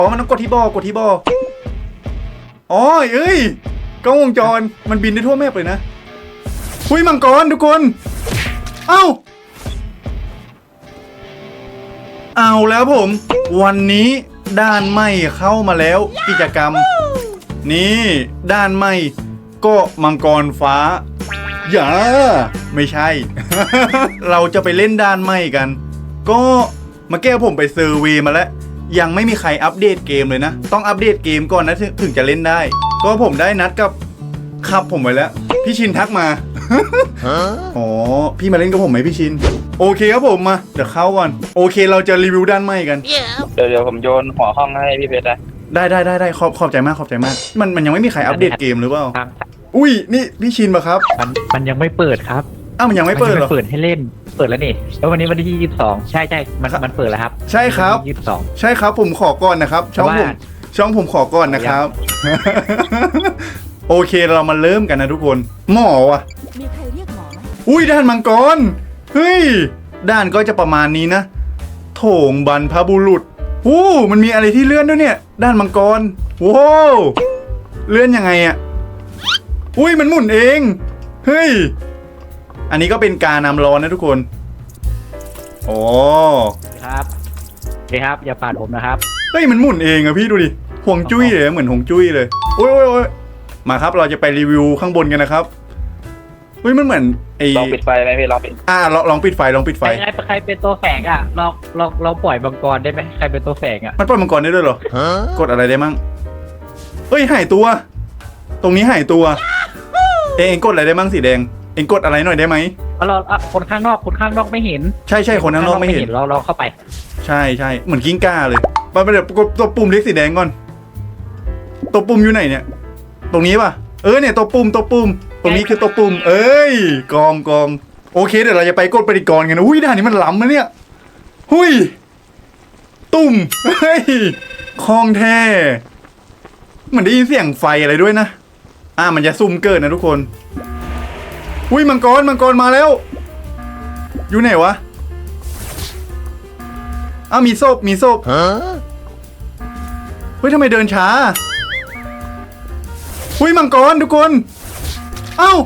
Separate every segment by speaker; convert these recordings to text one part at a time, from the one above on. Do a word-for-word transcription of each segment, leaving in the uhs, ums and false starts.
Speaker 1: อ๋อมันต้องกดที่บอกดที่บออ๋อเอ้ยกล้องวงจรมันบินได้ทั่วแมปเลยนะหุ้ยมังกรทุกคนเอ้าเอาแล้วผมวันนี้ด้านใหม่เข้ามาแล้วกิจกรรมนี่ด้านใหม่ก็มังกรฟ้าอย่าไม่ใช่ เราจะไปเล่นด้านใหม่กันก็มาแก้ผมไปเซอร์เวย์มาแล้วยังไม่มีใครอัปเดตเกมเลยนะต้องอัปเดตเกมก่อนนะถึงจะเล่นได้ก็ผมได้นัดกับครับผมไว้แล้วพี่ชินทักมา อ๋อพี่มาเล่นกับผมไหมพี่ชินโอเคครับผมมาเดี๋ยวเข้าก่อนโอเคเราจะรีวิวด้านใหม่กัน
Speaker 2: เดี๋ยวเดี๋ยวผมโยนหัวห้องให้พี่เพชรนะ
Speaker 1: ได้ได้ได้ได้ขอบขอบใจมากขอบใจมากมันมันยังไม่มีใครอัปเดตเกมหรือเปล่า
Speaker 3: ครับ
Speaker 1: อุ้ยนี่พี่ชินปะครับ
Speaker 3: มันมันยังไม่เปิดครับ
Speaker 1: อ้าวมันยังไม่เปิดเหรอ
Speaker 3: นเปิดให้เล่นเปิดแล้วนี่แล้ววันนี้วันที่ยี่สิบสองใช่ใช่มันมันเปิดแล้วครับ
Speaker 1: ใช่ครับ
Speaker 3: ยี่สิบสอง
Speaker 1: ใช่ครับผมขอก่อนนะครับช่องผมช่องผมขอก่อนนะครับ โอเคเรามาเริ่มกันนะทุกคนหมอวะ
Speaker 4: มีใครเรียกหมอไหม
Speaker 1: อุ้ยด้านมังกรเฮ้ยด้านก็จะประมาณนี้นะโถงบรรพบุรุษโอ้มันมีอะไรที่เลื่อนด้วยเนี่ยด้านมังกรว้าวเลื่อนยังไงอะอุ้ยมันหมุนเองเฮ้ยอันนี้ก็เป็นการนำร้อนนะทุกคนโอ้
Speaker 3: ครับโอเคครับอย่าปาดผมนะครับ
Speaker 1: เฮ้ยมันหมุนเองอะพี่ดูดิห่วงจุ้ยเลยเหมือนห่วงจุ้ยเลยโอ้ยโอ้ยโอ้ยมาครับเราจะไปรีวิวข้างบนกันนะครับเฮ้ยมันเหมือนไอ้
Speaker 2: ลองปิดไฟไหมพี่ลองปิด
Speaker 1: อ่าลองลองปิดไฟลองปิดไฟ
Speaker 3: ใครใครใครเป็นตัวแฝงอ่ะเราเราเราปล่อยมังกรได้ไหมใครเป็นตัวแฝงอ่ะ
Speaker 1: มันปล่อยมังกรได้ด้วยเหรอ กดอะไรได้มั่งเฮ้ยหายตัว ตรงนี้หายตัว เองเองกดอะไรได้มั่งสีแดง เองกดอะไรหน่อยได้ไหม
Speaker 3: เอาเราอ่ะคนข้างนอกคนข้างนอกไม่เห็น
Speaker 1: ใช่ใช่คนข้างนอกไม่เห็น
Speaker 3: เราเราเข้าไป
Speaker 1: ใช่ใช่เหมือนกิ้งก่าเลยไปไปเดี๋ยวกดตัวปุ่มเล็กสีแดงก่อน ตัวปุ่มอยู่ไหนเนี่ย ตรงนี้ป่ะ เออเนี่ยตัวปุ่มตัวปุ่ม ตรงนี้คือตัวปุ่ม เอ้ยกองกองโอเคเดี๋ยวเราจะไปกดปฏิกรณ์กันนะอุ้ยด่านนี้มันล้ำนะเนี่ยหุยตุ่มเฮ้ยคลองแท้เหมือนได้ยินเสียงไฟอะไรด้วยนะอ่ามันจะซุ่มเกิดนะทุกคนอุ้ยมังกรมังกรมาแล้วอยู่ไหนวะอ้าวมีศพมีศพเฮ้ยทำไมเดินช้าอุ้ยมังกรทุกคนเอ้า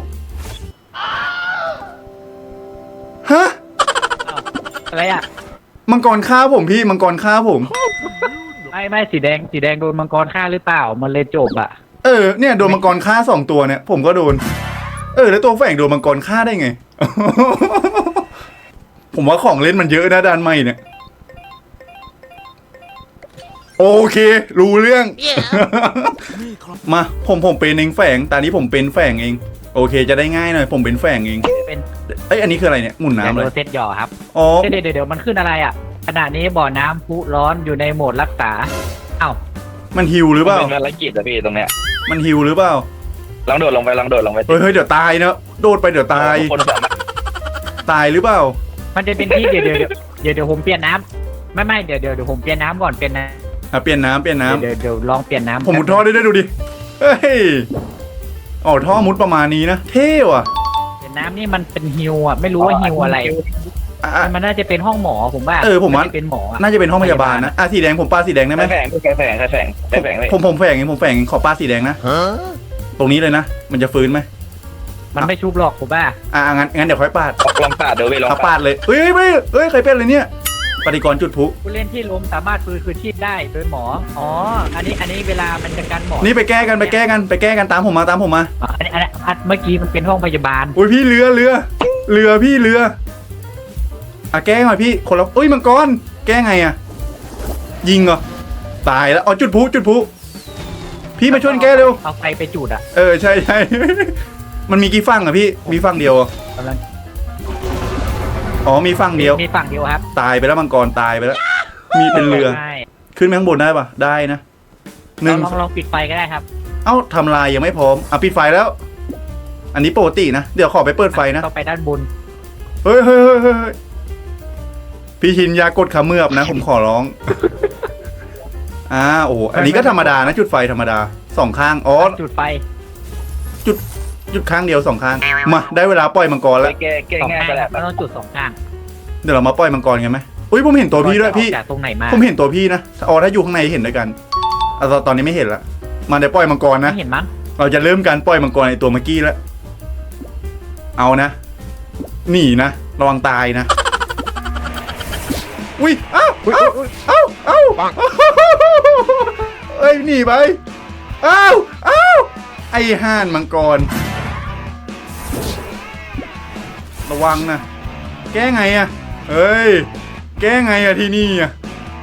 Speaker 1: ฮะ
Speaker 3: อะไรอ่ะ
Speaker 1: มังกรฆ่าผมพี่มังกรฆ่าผม
Speaker 3: ไม่ไม่สีแดงสีแดงโดนมังกรฆ่าหรือเปล่ามันเลยจบอ่ะ
Speaker 1: เออเนี่ยโดนมังกรฆ่าสองตัวเนี่ยผมก็โดนเออแล้วตัวแฝงโดนมังกรฆ่าได้ไง ผมว่าของเล่นมันเยอะนะด้านใหม่เนี่ยโอเครู้เรื่อง มาผมผมเป็นเองแฝงตอนนี้ผมเป็นแฝงเองโอเคจะได้ง่ายหน่อยผมเป็นแฝงเอง
Speaker 3: เป็น
Speaker 1: เอ้ยอันนี้คืออะไรเนี่ยหมุน
Speaker 3: แดง
Speaker 1: น้ำเล
Speaker 3: โด
Speaker 1: ย
Speaker 3: นเซตหย่อครับ
Speaker 1: อ๋อ
Speaker 3: เดี๋ยวเดี๋ยวเดี๋ยวมันขึ้นอะไรอ่ะขณะนี้บ่อน้ำพุร้อนอยู่ในโหมดรักษาเอ้า
Speaker 1: มันฮิวหรือเปล่า
Speaker 2: เป็นภารกิจอะพี่ตรงเนี้ย
Speaker 1: มันฮิวหรือเปล่า
Speaker 2: ลองโดดลงไปลองโดดลงไป
Speaker 1: เฮ้ยเฮ้ยเดี๋ยวตายเนอะโดดไปเดี๋ยวตาย
Speaker 2: คนสามารถ
Speaker 1: ตายหรือเปล่า
Speaker 3: มันจะเป็นที่เดี๋ยวเดี๋ยวเดี๋ยวเดี๋ยวเดี๋ยวผมเปลี่ยนน้ำไม่ไม่เดี๋ยวเดี๋ยวเดี๋ยวผมเปลี่ยนน้ำก่อนเปลี่ยนน้
Speaker 1: อ่ะเปลี่ยนน้ำเปลี่ยน
Speaker 3: ำ
Speaker 1: น้ำ
Speaker 3: เดี๋ยวเดี๋ยวลองเปลี่ยนน้ำ
Speaker 1: ผมมุดท่อได้ด้วยดูดิ เฮ้ยอ๋อท่อมุดประมาณนี้นะ เท่ว่ะ
Speaker 3: เปลี่ยนน้ำนี่มันเป็นฮิวอ่ะไม่รู้ว่าฮิวอะไร
Speaker 1: อ่ะอ่ะ
Speaker 3: มันน่าจะเป็นห้องหมอผมว่า
Speaker 1: เออผมว่า
Speaker 3: น่จะเป็นหมออะ
Speaker 1: น่าจะเป็นห้องพยาบาลนะ อ่ะสีแดงผมปาสีแดงได้ไหม
Speaker 2: ใช้แฝงใช้แฝงใช้แฝงใช้แฝงเลย
Speaker 1: ผมผมแฝงเองผมแฝงเองขอปาสีแดงนะ ตรงนี้เลยนะ มันจะฟื้นไหม
Speaker 3: มันไม่ชุบหรอกผมว่า
Speaker 1: อ่ะอ่ะงั้นงั้นเดี๋ยวค่อยปาด
Speaker 2: ลองปาดเดี๋ยวพี่ลอง
Speaker 1: เอา
Speaker 2: ปา
Speaker 1: ปา
Speaker 2: ด
Speaker 1: ดเลย เฮ้ยไม่เฮ้ยใครเป็นอะไรเนี่ยปฏิกรณ์จุดพลุ
Speaker 3: ผู้เล่นที่ล้มสามารถฟื้นคืนชีพได้โดยหมออ๋ออันนี้อันนี้เวลามันจะกันหมอ
Speaker 1: นี่ไปแก้กันไปแก้กันไปแก้กันตามผมมาตามผมมา
Speaker 3: อ๋ออันนี้อันนี้อันเมื่อกี้มันเป็นห้องพยาบาล
Speaker 1: อุ้ยพี่เรือเรือ เรือพี่เรือ อ่ะแก้หน่อยพี่คนละเอ้ยมังกรแก้ไงอ่ะ ยิงเหรอตายแล้วอ๋อจุดพลุจุดพลุพี่มาช่วยแก้เร็ว
Speaker 3: เอาไฟไปจุดอ่ะ
Speaker 1: เออใช่ใช่ มันมีกี่ฝั่งอะพี่มีฝั่งเดียวเหรอก
Speaker 3: ำลัง
Speaker 1: อ๋อมีฝั่งเดียว
Speaker 3: มีฝั่งเดียวครับ
Speaker 1: ตายไปแล้วมังกรตายไปแล้ว มีเป็นเรือ
Speaker 3: ใช่
Speaker 1: ขึ้นไปข้างบนได้ปะได้นะหนึ่ง
Speaker 3: ลองลองปิดไฟก็ได้ครับ
Speaker 1: เอ้าทำลายยังไม่พร้อมอ่ะปิดไฟแล้ว อันนี้ปกตินะเดี๋ยวขอไปเปิดไฟนะ
Speaker 3: ต้องไปด้านบน
Speaker 1: เฮ้ยเฮ้ยเฮ้ยเฮ้ยพี่ชินอยากดขาเมือบนะ ผมขอร้อง อ่าโอ้โหอันนี้ก็ธรรมดานะจุดไฟธรรมดาสองข้างอ๋อ
Speaker 3: จุดไฟ
Speaker 1: จุดข้างเดียวสองข้างมาได้เวลาปล่อยมังกร
Speaker 2: ไป
Speaker 1: แล้ว
Speaker 2: แก้แก้
Speaker 3: สอง
Speaker 2: ง่าย
Speaker 3: ข้าง
Speaker 2: ก็
Speaker 3: ค
Speaker 2: แล้
Speaker 3: รั
Speaker 2: ว
Speaker 3: บมันต้องจุดสองข้าง
Speaker 1: เดี๋ยวเรามาปล่อยมังกรกันไหมอุ้ยผมเห็นตัวพี่ด้วยพี่
Speaker 3: จากตรงไหนมา
Speaker 1: ผมเห็นตัวพี่นะอ๋อถ้าอยู่ข้างในเห็นด้วยกันเอาตอนนี้ไม่เห็นละมาเดี๋ยวปล่อยมังกรนะ
Speaker 3: ไม่เห็นมั้ง
Speaker 1: เราจะเริ่มการปล่อยมังกรในตัวเมื่อกี้แล้ว เอานะ หนีนะ ระวังตายนะ อุ้ยเอ้าเอ้าเอ้าเอ้าเอ้ยหนีไปเอ้าเอ้าไอ้ห่านมังกร ระวังนะ แก้ไงอะเฮ้ย แก้ไงอะที่นี่อะ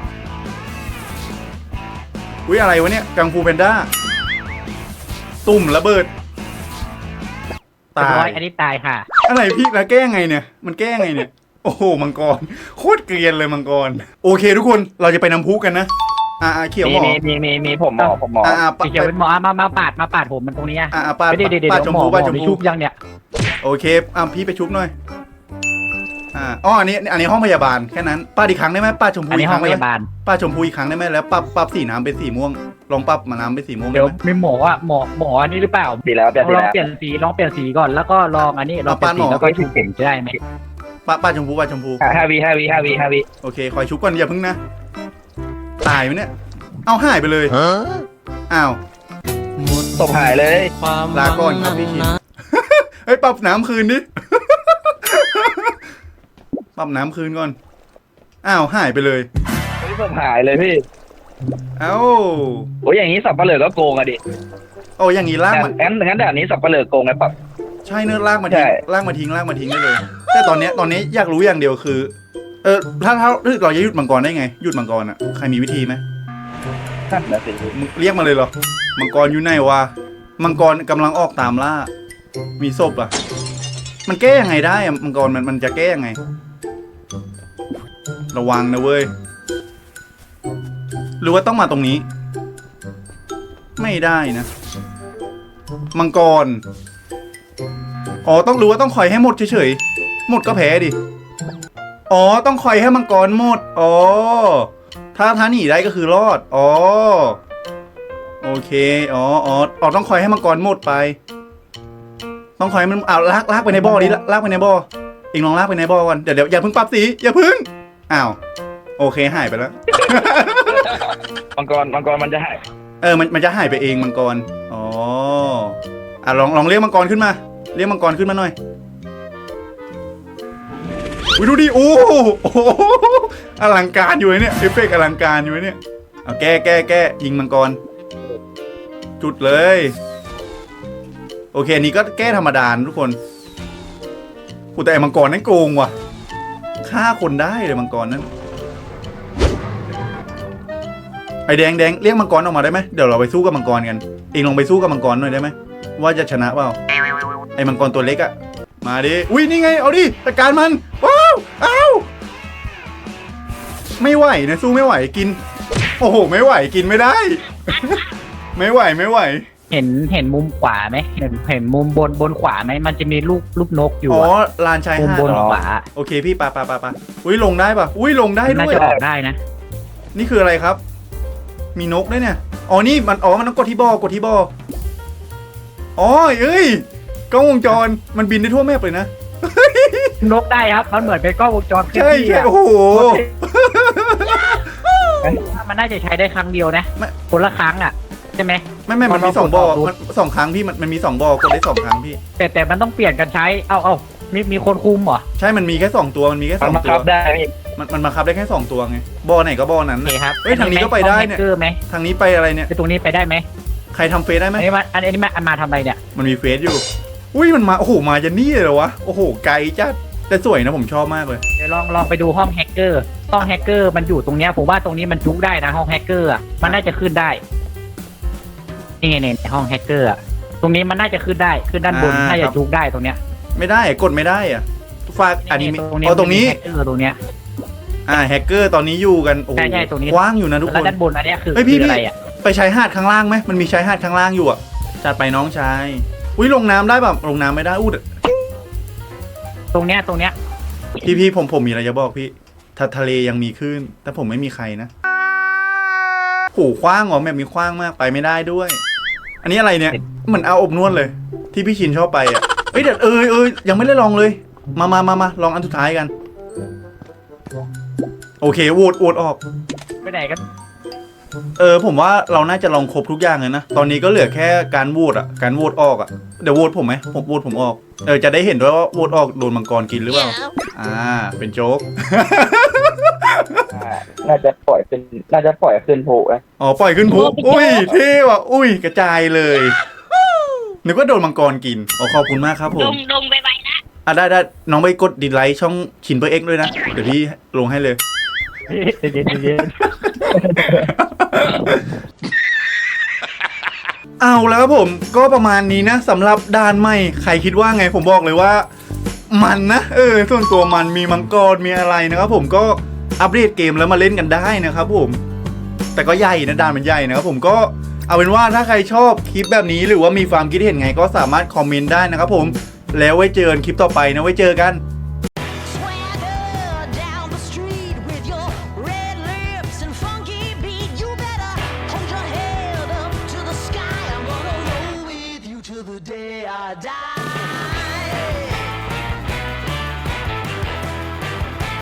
Speaker 1: อุ้ยอะไรวะเนี่ยกังฟูแพนด้า ตุ่มระเบิด
Speaker 3: ตา
Speaker 1: ตาย
Speaker 3: ยอันนี้ตายค่ะ
Speaker 1: อะไรพี่แล้วแก้ไงเนี่ย มันแก้ไงเนี่ย โอ้โหมังกรโคตรเกรียนเลยมังกร โอเคทุกคนเราจะไปน้ำพุกันนะ อ่าเขียวหม
Speaker 2: มี
Speaker 1: อ
Speaker 2: มีมีมีมีผมหมอผมหมอ
Speaker 1: อ่า
Speaker 3: สีเขียวเป็นหมอมามาปาดมาปาดผมมันตรงนี้อ่ะ
Speaker 1: อ่าป้า
Speaker 3: เดี๋ยวเดี๋ยวเดี๋
Speaker 1: ป้า
Speaker 3: ยว
Speaker 1: ชม
Speaker 3: หมอ
Speaker 1: พู
Speaker 3: หม
Speaker 1: ป้า
Speaker 3: อ
Speaker 1: ชม
Speaker 3: มี
Speaker 1: พู
Speaker 3: ชุบยังเนี่ย
Speaker 1: โอเคอ่าพี่ไปชุบหน่อยอ่าอ๋ออันนี้อันนี้ห้องพยาบาลแค่นั้นป้าอีกครั้งได้ไหมป้าชมพู
Speaker 3: อันนี้
Speaker 1: อีก
Speaker 3: ห้
Speaker 1: ค
Speaker 3: อ
Speaker 1: รั้
Speaker 3: ง
Speaker 1: ง
Speaker 3: พ
Speaker 1: ได้ไหม
Speaker 3: ยาบาล
Speaker 1: ป้าชมพูอีกครั้งได้ไหมแล้วปรับปรับสีน้ำเป็นสีม่วงลองปรับมาน้ำเป็นสีม่วงได้
Speaker 3: เดี๋ยว
Speaker 1: ไหม
Speaker 3: มีหมออ่ะหมอหมออันนี้หรือเปล่า
Speaker 2: ดีแล้วเปลี่ยน
Speaker 3: ล
Speaker 2: ดี
Speaker 3: อง
Speaker 2: แล้ว
Speaker 3: เปลี่ยนสีลองเปลี่ยนสีก่อนแล้วก็ลองอันนี้ลองเปลี่ยนสีแล้วก็ชุบผมจะได้ไหม
Speaker 1: ป้าป้าชมพูป้าชมพู
Speaker 2: ห้าวิห้าวิห้าวิห้าวิ
Speaker 1: โอเคคอยชุบก่อนอย่าพึ่งนะตายไหมเนี่ยเอาหายไปเลยอ้าว
Speaker 2: ศพหายเลย
Speaker 1: ลาก่อนครับพี่ชิน เฮ้ยปรับน้ำคืนดิ ปรับน้ำคืนก่อน อ้าวหายไปเลย
Speaker 2: เฮ้ยศพหายเลยพี่
Speaker 1: เอ้า
Speaker 2: โอ้ยอย่างนี้สับปะเหลือก็โกงอะดิ
Speaker 1: โอ้อย่างนี้ลากมัน
Speaker 2: งั้นงั้นแบบนี้สับปะเหลือโกงไงปั๊บ
Speaker 1: ใช่เนื้อะลากมาทิ้ง
Speaker 2: ใช่
Speaker 1: ลากมาทิ้งลากมาทิ้งได้เลย แต่ตอนเนี้ยตอนนี้อยากรู้อย่างเดียวคือ เออถ้าถ้าเราจะหยุดมังกรได้ไงหยุดมังกรอ่ะใครมีวิธีไหม
Speaker 2: นั่นนะสิ
Speaker 1: มึงเรียกมาเลยเหรอมังกรอยู่ไหนวะมังกรกำลังออกตามล่า มีศพอ่ะ มันแก้ยังไงได้อะมังกรมันมันจะแก้ยังไง ระวังนะเว้ย หรือว่าต้องมาตรงนี้ ไม่ได้นะ มังกร อ๋อต้องรู้ว่าต้องคอยให้หมดเฉยๆ หมดก็แพ้ดิ อ๋อต้องคอยให้มังกรหมด อ๋อ ถ้าท้าหนีได้ก็คือรอด อ๋อ โอเค อ๋ออ๋ออ๋อต้องคอยให้มังกรหมดไป ต้องคอยให้มันเอาลากลากไปในบ่อดิลากลากไปในบ่อเองลองลากไปในบ่อก่อน เดี๋ยวเดี๋ยวอย่าเพิ่งปรับสี อย่าเพิ่ง อ้าว โอเคหายไปแล้ว
Speaker 2: มังกรมังกรมันจะหาย
Speaker 1: เออ มันมันจะหายไปเองมังกร อ๋อ อ่ะลองลองเรียกมังกรขึ้นมา เรียกมังกรขึ้นมาหน่อยอุ้ยดูดิ โอ้โหโอ้โหอลังการอยู่เนี่ย เอฟเฟกต์อลังการอยู่เนี่ย เอาแก้แก้แก้ยิงมังกร จุดเลย โอเคอันนี้ก็แก้ธรรมดาทุกคนกูแต่ไอ้มังกรนั่นโกงว่ะ ฆ่าคนได้เลยมังกรนั้น ไอแดงแดงเรียกมังกรออกมาได้ไหมเดี๋ยวเราไปสู้กับมังกรกัน เองลองไปสู้กับมังกรหน่อยได้ไหมว่าจะชนะเปล่า ไอมังกรตัวเล็กอะมาดิ อุ้ยนี่ไงเอาดิจัดการมัน ว้าวอ้าวไม่ไหวนะสู้ไม่ไหวกิน โอ้โหไม่ไหวกินไม่ได้ ไม่ไหวไม่ไหว
Speaker 3: เห็นเห็นมุมขวาไหมเห็นเห็นมุมบนบนขวาไหมมันจะมีรูปรูปนกอยู่
Speaker 1: อ๋อ
Speaker 3: อะ
Speaker 1: ลานชาย
Speaker 3: มุม
Speaker 1: หาด
Speaker 3: บน
Speaker 1: เหรอ
Speaker 3: ขวา
Speaker 1: โอเคพี่ปะปะปะปะอุ้ยลงได้ปะอุ้ยลงได้
Speaker 3: น่า
Speaker 1: ด้วย
Speaker 3: จะออกได้นะ
Speaker 1: นี่คืออะไรครับ มีนกด้วยเนี่ย อ๋อ นี่มัน อ๋อ มันต้องกดที่บอกดที่บออ๋อเอ้ย กล้องวงจร มันบินได้ทั่วแมปเลยนะ
Speaker 3: นกได้ครับมันเหมือนเป็นกล้องวงจรเคลื่อน
Speaker 1: ใช่
Speaker 3: ที่
Speaker 1: ใช่
Speaker 3: อะ
Speaker 1: โอ้โห
Speaker 3: มันน่าจะใช้ได้ครั้งเดียวนะ
Speaker 1: ไม่
Speaker 3: คนละครั้งอ่ะใช่ไหม
Speaker 1: ไม่ไม่มันมี
Speaker 3: มันลอง
Speaker 1: สองบอ
Speaker 3: กดดู
Speaker 1: มันสองครั้งพี่มันมันมีสองบอกดได้สองครั้งพี่
Speaker 3: แต่แต่มันต้องเปลี่ยนกันใช้ เอาเอามีมีคนคุมเหรอ
Speaker 1: ใช่ มันมีแค่สองตัว มันมีแค่ส
Speaker 2: มัน
Speaker 1: อง
Speaker 2: มา
Speaker 1: ตั
Speaker 2: คั
Speaker 1: ว
Speaker 2: บได้พี่
Speaker 1: มันมันมาคับได้แค่สองตัวไง บอไหนก็บอนั้น
Speaker 3: โอเค
Speaker 1: น่ะ
Speaker 3: ครับ
Speaker 1: เอ้ยทางนี้ก็ไปได้เนี่ย
Speaker 3: ห้องแฮกเกอร์ไหม
Speaker 1: ทางนี้ไปอะไรเนี่ย
Speaker 3: ไปตรงนี้ไปได้ไหม
Speaker 1: ใครทำเฟซได้ไหม
Speaker 3: อันนี้มาอันนี้มาอันมาทำอะไรเนี่ย
Speaker 1: มันมีเฟซอยู่ อุ้ย มันมา โอ้โห มาจะนี่เลยเหรอวะ โอ้โห ไกลจัดแต่สวยนะผมชอบมากเลย
Speaker 3: เดี๋ยวลองลองไปดูห้องแฮกเกอร์ ห้องแฮกเกอร์มันอยู่ตรงเนี้ยผมว่าตรงนี้มันจุกได้นะห้องแฮกเกอร์อะมันน่าจะขึ้นได้ นี่ไงเนี่ยห้องแฮกเกอร์อะตรงนี้มันน่าจะขึ้นได้ขึ้นด้านบน
Speaker 1: อ่า
Speaker 3: น่า
Speaker 1: ค
Speaker 3: จะ
Speaker 1: รับ
Speaker 3: จุกได้ตรงเนี้ย
Speaker 1: ไม่ได้ กดไม่ได้อะฝากอันนี้มี
Speaker 3: ตรงนี้
Speaker 1: อ๋อตรงนี้
Speaker 3: แฮกเกอร์ตรงเนี้ย
Speaker 1: อ่า แฮกเกอร์ตอนนี้อยู่กัน โอ้โห
Speaker 3: ใช่ใช่ตรงนี้
Speaker 1: กว้างอยู่นะทุกค
Speaker 3: แล้ว
Speaker 1: น
Speaker 3: ด้านบนอันเนี้ยคือ
Speaker 1: เฮ้ยพี่
Speaker 3: คือ
Speaker 1: พี่
Speaker 3: อะไรอ่ะ
Speaker 1: ไปชายหาดข้างล่างไหมมันมีชายหาดข้างล่างอยู่อ่ะ จัดไปน้องชาย อุ้ยลงน้ำได้แบบลงน้ำไม่ได้อู้ด
Speaker 3: ตรงเนี้ยตรงเนี้ย
Speaker 1: พี่พี่ผมผมมีอะไรจะบอกพี่ถ้าทะเลยังมีคลื่นแต่ผมไม่มีใครนะโหคว้างเหรอแบบมีคว้างมากไปไม่ได้ด้วย อันนี้อะไรเนี่ยเหมือนเอาอบนวดเลย ที่พี่ชินชอบไปอ่ะเฮ้ยเดี๋ยวเออเออยังไม่ได้ลองเลย มามามามาลองอันสุดท้ายกันโอเคโหวตโหวตออก
Speaker 3: ไปไหนกัน
Speaker 1: เออผมว่าเราน่าจะลองครบทุกอย่างเลยนะ ตอนนี้ก็เหลือแค่การโหวตอ่ะ การโหวตออกอ่ะ เดี๋ยวโหวตผมไหมผมโหวตผมออก เออจะได้เห็นด้วยว่าโหวตออกโดนมังกรกินหรือเปล่า อ่า เป็นโจ๊ก
Speaker 2: อ่าน่าจะปล่อยเป็นน่าจะปล่อยขึ้นโผล่นะ
Speaker 1: อ๋อปล่อยขึ้นพุอุ้ยเท่ว่ะอุ้ยกระจายเลยนึกว่าโดนมังกรกินอ๋อขอบคุณมากครับผ
Speaker 4: ด
Speaker 1: ม
Speaker 4: มดมไปไปนะ
Speaker 1: อ่ะได้ได้น้องไปกดดีไลค์ช่องชินเปอร์เอ็กด้วยนะ เดี๋ยวพี่ลงให้เลย
Speaker 3: เย็นเย็น
Speaker 1: เอาแล้วครับผมก็ประมาณนี้นะสำหรับด่านใหม่ใครคิดว่าไงผมบอกเลยว่า มันนะเออส่วนตัวมันมีมังกรมีอะไรนะครับผมก็อัปเดตเกมแล้วมาเล่นกันได้นะครับผม แต่ก็ใหญ่นะด่านมันใหญ่นะครับผมก็เอาเป็นว่าถ้าใครชอบคลิปแบบนี้หรือว่ามีความคิดเห็นไงก็สามารถคอมเมนต์ได้นะครับผมแล้วไว้เจอกันคลิปต่อไปนะไว้เจอกัน
Speaker 5: Swagger down the street with your red lips and funky beat. You better hold your head up to the sky. I'm gonna roll with you till the day I die.